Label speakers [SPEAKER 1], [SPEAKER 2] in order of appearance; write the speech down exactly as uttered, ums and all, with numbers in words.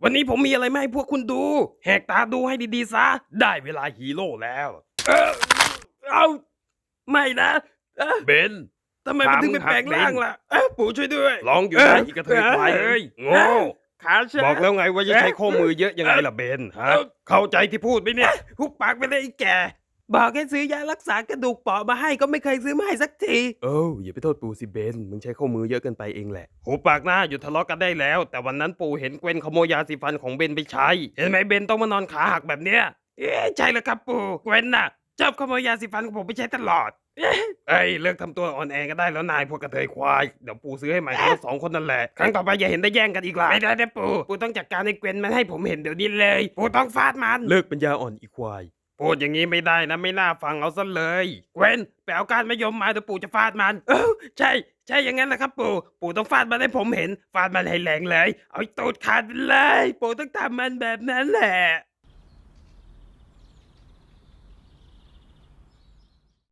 [SPEAKER 1] วันนี้ผมมีอะไรมาให้พวกคุณดูแหกตาดูให้ดีๆซะได้เวลาฮีโร่แล้วเออเอาไม่นะเอ้อ
[SPEAKER 2] เบน
[SPEAKER 1] ทำไมมันถึงเป็นแปลงร่างล่ะเอ้อปู่ช่วยด้วย
[SPEAKER 2] ร้องอยู่ได้อีกกระเทยควายเอ้ยโง่
[SPEAKER 1] ขาช้า
[SPEAKER 2] บอกแล้วไงว่าจะใช้ข้อมือเยอะยังไงล่ะเบนฮะเข้าใจที่พูดไหมเนี่ย
[SPEAKER 1] หุบปากไปเลยไอ้แกบอกให้ซื้อยารักษากระดูกเปราะมาให้ก็ไม่เคยซื้อมาให้สักที
[SPEAKER 2] เอ้าอย่าไปโทษปู่สิเบนมึงใช้ข้อมือเยอะเกินไปเองแหละหูปากหน้าหยุดทะเลาะกันได้แล้ว แต่วันนั้นปู่เห็นเกวนขโมยยาสีฟันของเบนไปใช้เห็นไหมเบนต้องมานอนขาหักแบบเนี้ย
[SPEAKER 1] เอ๊ะใช่แล้วครับปู่เกวนน่ะชอบขโมยยาสีฟันของผมไปใช้ตลอดเอ๊ะ
[SPEAKER 2] เอ้ยเลิกทำตัวอ่อนแอกันได้แล้วนายพวกกระเทยควายเดี๋ยวปู่ซื้อให้ใหม่ทั้งสองคนนั่นแหละครั้งต่อไปอย่าเห็นได้แย่งกันอีกล่ะ
[SPEAKER 1] ไม่ได้นะปู่ปู่ต้องจัดการให้เกวนมันให้ผมเห็นเดี๋ยวนี้เลยปู่ต้องฟาดมัน
[SPEAKER 2] เลิกปัญญาอ่อนอีควายพูดอย่างนี้ไม่ได้นะไม่น่าฟังเอาซะเลย
[SPEAKER 1] เกวนไปเอาการมะยมมาเดี๋ยวปู่จะฟาดมันเออใช่ ใช่อย่างนั้นแหละครับปู่ปู่ต้องฟาดมันให้ผมเห็นฟาดมันให้แรงเลยเอาไอ้ตูดขาดไปเลยปู่ต้องทำมันแบบนั้นแหละ